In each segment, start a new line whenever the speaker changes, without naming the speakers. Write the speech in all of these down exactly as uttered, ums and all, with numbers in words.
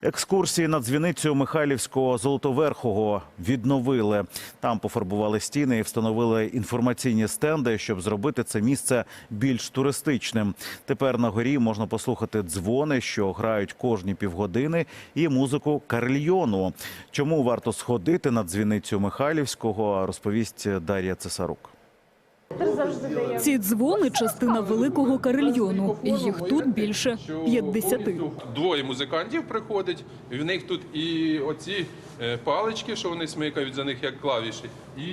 Екскурсії на дзвіницю Михайлівського Золотоверхого відновили. Там пофарбували стіни і встановили інформаційні стенди, щоб зробити це місце більш туристичним. Тепер на горі можна послухати дзвони, що грають кожні півгодини, і музику карельйону. Чому варто сходити на дзвіницю Михайлівського, розповість Дар'я Цесарук.
Ці дзвони – частина великого карельйону. Їх тут більше п'ятдесяти.
Двоє музикантів приходять, і в них тут і оці палички, що вони смикають за них як клавіші, і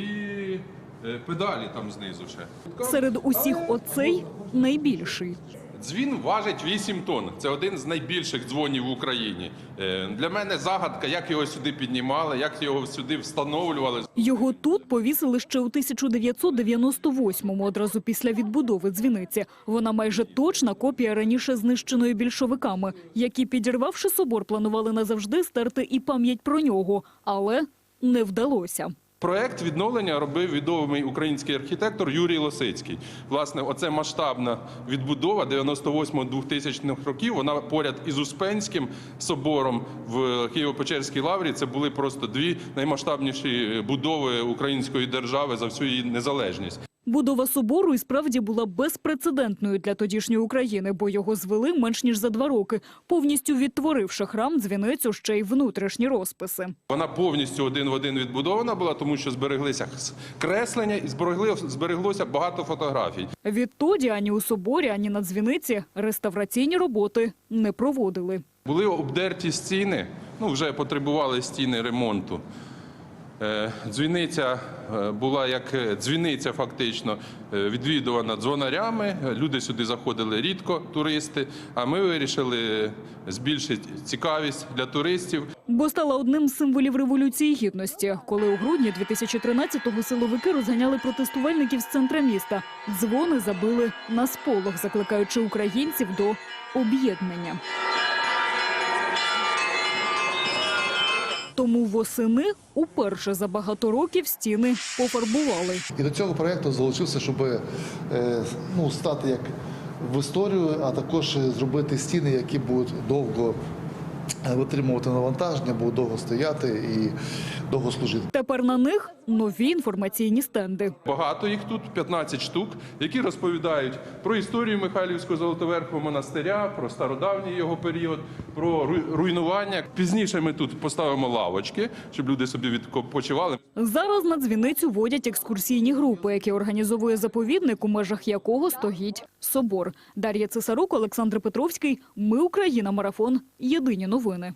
педалі там знизу ще.
Серед усіх оцей найбільший.
Дзвін важить вісім тонн. Це один з найбільших дзвонів в Україні. Для мене загадка, як його сюди піднімали, як його сюди встановлювали.
Його тут повісили ще у тисяча дев'ятсот дев'яносто восьмому, одразу після відбудови дзвіниці. Вона майже точна копія раніше знищеної більшовиками, які, підірвавши собор, планували назавжди стерти і пам'ять про нього. Але не вдалося.
Проект відновлення робив відомий український архітектор Юрій Лосицький. Власне, оце масштабна відбудова дев'яносто восьмого-двохтисячних років, вона поряд із Успенським собором в Києво-Печерській лаврі. Це були просто дві наймасштабніші будови української держави за всю її незалежність.
Будова собору і справді була безпрецедентною для тодішньої України, бо його звели менш ніж за два роки, повністю відтворивши храм, дзвіницю, ще й внутрішні розписи.
Вона повністю один в один відбудована була, тому що збереглися креслення і збереглося багато фотографій.
Відтоді ані у соборі, ані на дзвіниці реставраційні роботи не проводили.
Були обдерті стіни, ну вже потребували стіни ремонту. Дзвіниця була як дзвіниця фактично відвідувана дзвонарями, люди сюди заходили рідко, туристи, а ми вирішили збільшити цікавість для туристів.
Бо стала одним з символів Революції Гідності, коли у грудні дві тисячі тринадцятого силовики розганяли протестувальників з центра міста. Дзвони забили на сполох, закликаючи українців до об'єднання. Тому восени уперше за багато років стіни пофарбували.
І до цього проєкту залучився, щоб ну, стати як в історію, а також зробити стіни, які будуть довго витримувати навантаження, будуть довго стояти і довго служити.
Тепер на них нові інформаційні стенди.
Багато їх тут, п'ятнадцять штук, які розповідають про історію Михайлівського Золотоверхого монастиря, про стародавній його період, про руйнування. Пізніше ми тут поставимо лавочки, щоб люди собі відпочивали.
Зараз на дзвіницю водять екскурсійні групи, які організовує заповідник, у межах якого стоїть собор. Дар'я Цесарук, Олександр Петровський. Ми Україна. Марафон. Єдині новини.